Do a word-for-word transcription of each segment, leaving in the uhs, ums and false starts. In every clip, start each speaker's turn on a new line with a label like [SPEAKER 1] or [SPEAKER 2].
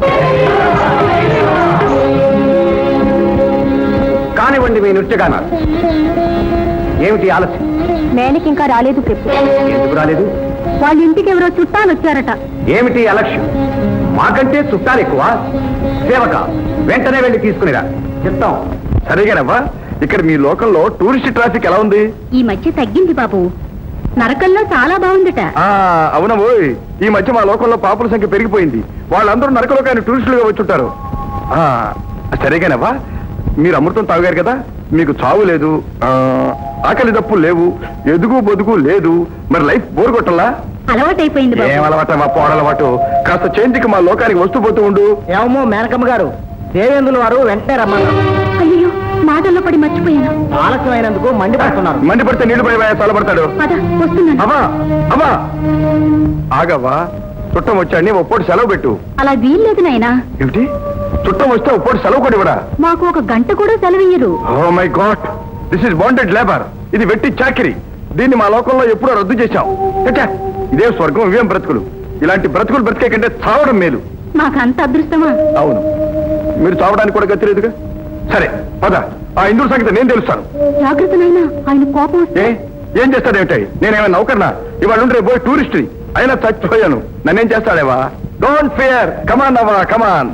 [SPEAKER 1] కానివ్వండి మీ నృత్యగానాలు. ఏమిటి ఆలస్యం?
[SPEAKER 2] మేనకి ఇంకా రాలేదు చెప్పు.
[SPEAKER 1] ఎందుకు రాలేదు?
[SPEAKER 2] వాళ్ళ ఇంటికి ఎవరో చుట్టాలు వచ్చారట.
[SPEAKER 1] ఏమిటి అలక్ష్యం? మాకంటే చుట్టాలు ఎక్కువ. సేవక వెంటనే వెళ్ళి తీసుకునిరా. చెప్తాం. సరిగానవ్వా? ఇక్కడ మీ లోకల్లో టూరిస్ట్ ట్రాఫిక్ ఎలా ఉంది?
[SPEAKER 2] ఈ మధ్య తగ్గింది బాబు. నరకల్లో చాలా బాగుందట.
[SPEAKER 1] అవునవోయ్, ఈ మధ్య మా లోకంలో పాపుల సంఖ్య పెరిగిపోయింది. వాళ్ళందరూ నరకలోకాన్ని టూరిస్టులుగా వచ్చుంటారు. సరిగానవ్వా? మీరు అమృతం తాగారు కదా, మీకు చావు లేదు, ఆకలి దప్పులు లేవు, ఎదుగు బొదుగు లేదు. మరి లైఫ్ బోర్ కొట్టల్లా?
[SPEAKER 2] అలవాటైపోయింది.
[SPEAKER 1] ఏం అలవాట? మా పోడలవాటు. కాస్త చేంజ్కి మా లోకానికి వస్తూ పోతూ ఉండు.
[SPEAKER 3] ఏమో మేనకమ్మ గారు, దేవేంద్రుల వారు వెంటనే రమ్మన్నారు.
[SPEAKER 2] అయ్యో, మాటల్లో పడి మర్చిపోయాను.
[SPEAKER 3] ఆలస్యం అయినందుకు మండిపడుతున్నారు.
[SPEAKER 1] మండిపడితే నీళ్లు పడి చల్లబడతాడు. అమ్మా అమ్మా ఆగవ్వా, చుట్టం వచ్చాడిని ఒప్పోటి సెలవు పెట్టు.
[SPEAKER 2] అలా వీల్లేదు నాయనా.
[SPEAKER 1] ఏమిటి? చుట్టం వస్తే ఒప్పోటి సెలవు కూడా ఇవ్వడా?
[SPEAKER 2] మాకు ఒక గంట కూడా సెలవియ్యరు.
[SPEAKER 1] Oh my God, this is bonded labour. ఇది వెట్టి చాకిరి. దీన్ని మా లోకంలో ఎప్పుడో రద్దు చేశాం. ఇదే స్వర్గం, ఇవేం బ్రతుకులు. ఇలాంటి బ్రతుకులు బ్రతికే కంటే చావడం మేలు.
[SPEAKER 2] మాకంత అదృష్టమా?
[SPEAKER 1] అవును, మీరు చావడానికి కూడా గతిలేదుగా. సరే పద, ఆ ఇంద్రుడి సంగతి నేను తెలుస్తాను.
[SPEAKER 2] జాగ్రత్త నాయనా, ఆయన కోపం.
[SPEAKER 1] ఏ ఏం చేస్తాడేమిటి? నేనేమైనా నౌకర్నా? ఇవాళ ఉండే పోయి టూరిస్ట్ అయినా చచ్చిపోయాను. నన్నేం చేస్తాడేవా? డోంట్ ఫియర్, కమాన్ అవ్వా, కమాన్.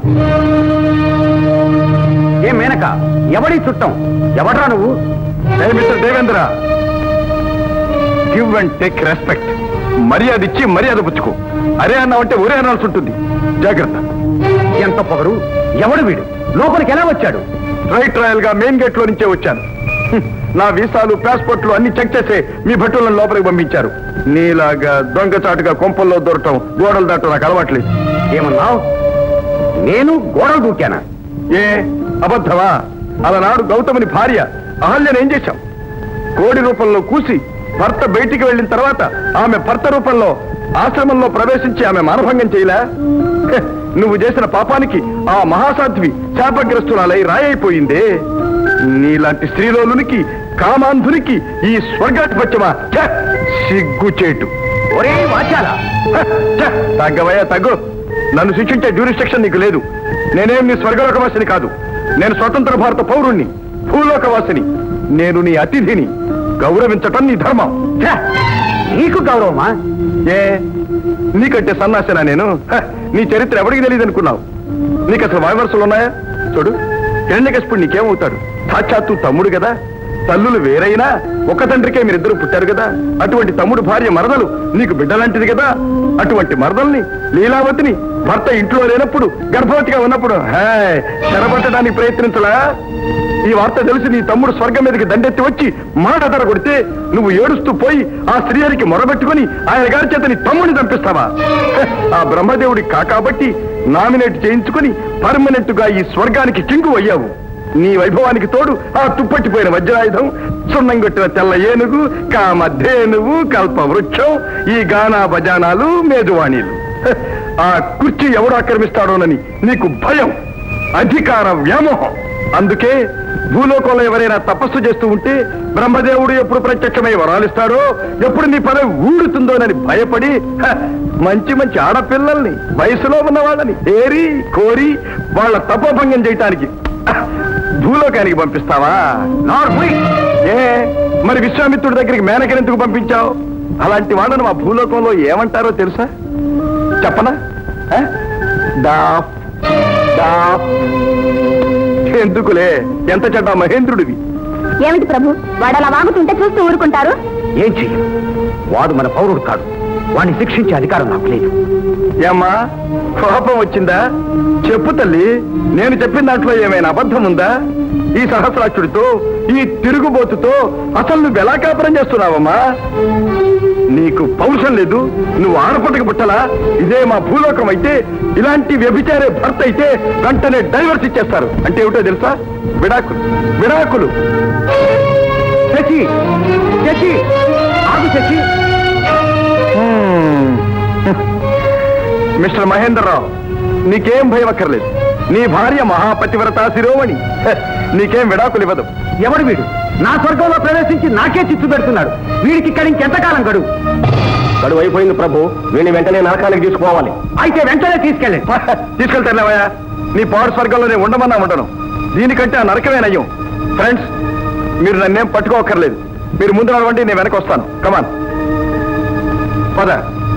[SPEAKER 1] ఏ మేనక, ఎవడి చుట్టం? ఎవడ్రా నువ్వు? Mister Devendra, give and take respect. మర్యాద ఇచ్చి మర్యాద పుచ్చుకో. అరే అన్నావంటే ఒరే అనాల్సి ఉంటుంది. జాగ్రత్త. ఎంత పొగరు! ఎవడు వీడు? లోపలికి ఎలా వచ్చాడు? రైట్ రాయల్ గా మెయిన్ గేట్ లో నుంచే వచ్చాను. నా వీసాలు, పాస్పోర్ట్లు అన్ని చెక్ చేసే మీ భటులను లోపలికి పంపించారు. నీలాగా దొంగచాటుగా కొంపల్లో దొరకటం, గోడలు దాటం నాకు అలవాట్లేదు. ఏమన్నావు? నేను గోడలు దూకానా? ఏ అబద్ధమా? అలనాడు గౌతముని భార్య అహల్యను ఏం చేశాం? కోడి రూపంలో కూసి భర్త బయటికి వెళ్ళిన తర్వాత ఆమె భర్త రూపంలో ఆశ్రమంలో ప్రవేశించి ఆమె మానభంగం చేయలే? నువ్వు చేసిన పాపానికి ఆ మహాసాధ్వి శాపగ్రస్తురాలై రాయైపోయిందే. నీలాంటి స్త్రీలోనునికి, కామాంధునికి ఈ స్వర్గాధిపత్యమా? సిగ్గుచేటు. ఒరే వాచాలా, తగ్గవయ్యా తగ్గు. నన్ను శిక్షించే జ్యూరిస్డిక్షన్ నీకు లేదు. నేనేం నీ స్వర్గలోకవాసిని కాదు. నేను స్వతంత్ర భారత పౌరుణ్ణి, భూలోకవాసిని. నేను నీ అతిథిని. గౌరవించటం నీ ధర్మం. నీకు గౌరవమా? ఏ నీకంటే సన్నాసేనా నేను? నీ చరిత్ర ఎవరికి తెలియదు అనుకున్నావు? నీకు అసలు వాయవరసలు ఉన్నాయా? చూడు, హిరణ్యకశిపుడు నీకేమవుతాడు? సాక్షాత్తు తమ్ముడు కదా. తల్లులు వేరైనా ఒక తండ్రికే మీరిద్దరు పుట్టారు కదా. అటువంటి తమ్ముడు భార్య మరదలు నీకు బిడ్డలాంటిది కదా. అటువంటి మరదల్ని, లీలావతిని భర్త ఇంట్లో లేనప్పుడు, గర్భవతిగా ఉన్నప్పుడు చెరబట్టడానికి ప్రయత్నించలా? ఈ వార్త తెలిసి నీ తమ్ముడు స్వర్గం మీదకి దండెత్తి వచ్చి మాట ధర కొడితే నువ్వు ఏడుస్తూ పోయి ఆ శ్రీహరికి మొరబెట్టుకుని ఆయన గారి చేత నీ తమ్ముడిని చంపిస్తావా? ఆ బ్రహ్మదేవుడి కాకాబట్టి నామినేట్ చేయించుకుని పర్మనెంట్ గా ఈ స్వర్గానికి కింగు అయ్యావు. నీ వైభవానికి తోడు ఆ తుప్పట్టిపోయిన వజ్రాయుధం, సున్నంగొట్టిన తెల్ల ఏనుగు, కామధేనువు, కల్ప వృక్షం, ఈ గానా బజానాలు, మేజువాణీలు. ఆ కుర్చీ ఎవడు ఆక్రమిస్తాడోనని నీకు భయం, అధికార వ్యామోహం. అందుకే భూలోకంలో ఎవరైనా తపస్సు చేస్తూ ఉంటే బ్రహ్మదేవుడు ఎప్పుడు ప్రత్యక్షమై వరాలిస్తాడో, ఎప్పుడు నీ పని ఊడుతుందోనని భయపడి మంచి మంచి ఆడపిల్లల్ని, వయసులో ఉన్న వాళ్ళని ఏరి కోరి వాళ్ళ తపోభంగం చేయటానికి భూలోకానికి పంపిస్తావా? ఏ మరి విశ్వామిత్రుడి దగ్గరికి మేనకనెందుకు పంపించావు? అలాంటి వాళ్ళను మా భూలోకంలో ఏమంటారో తెలుసా? చెప్పనా? ఎందుకులే, ఎంత చెడ్డ మహేంద్రుడివి.
[SPEAKER 2] ఏమిటి ప్రభు, వాడు అలా వాగుతుంటే చూస్తూ ఊరుకుంటారు?
[SPEAKER 1] ఏం చెయ్యం, వాడు మన పౌరుడు కాదు. వాడిని శిక్షించే అధికారం నాకు లేదు. ఏమ్మా, కోపం వచ్చిందా? చెప్పు తల్లి, నేను చెప్పిన దాంట్లో ఏమైనా అబద్ధం ఉందా? ఈ సహస్రాక్షుడితో, ఈ తిరుగుబోతుతో అసలు నువ్వు ఎలా కాపురం చేస్తున్నావమ్మా? నీకు పౌరుషం లేదు, నువ్వు ఆడపట్టకు పుట్టలా? ఇదే మా భూలోకం అయితే ఇలాంటి వ్యభిచారే భర్త అయితే వెంటనే డైవర్స్ ఇచ్చేస్తారు. అంటే ఏమిటో తెలుసా? విడాకులు. విడాకులు. శశి, శశి, ఆగు శశి. మిస్టర్ మహేంద్రరావు, నీకేం భయం అక్కర్లేదు. నీ భార్య మహాపతివ్రత శిరోమణి. నీకేం విడాకులు ఇవ్వదు. ఎవడు వీడు? నా స్వర్గంలో ప్రవేశించి నాకే చిచ్చు పెడుతున్నాడు. వీడికి ఇక్కడి ఇంకెంతకాలం గడువు? గడువు అయిపోయింది ప్రభు వీడిని వెంటనే నరకానికి తీసుకోవాలి అయితే వెంటనే తీసుకెళ్ళండి తీసుకెళ్తానులేవయ్యా నీ పవర్ స్వర్గంలో నేను ఉండమన్నా ఉండను దీనికంటే ఆ నరకమే నయ్యం ఫ్రెండ్స్ మీరు నన్నేం పట్టుకోకర్లేదు మీరు ముందు నడవండి నేను వెనక వస్తాను కమాన్ పద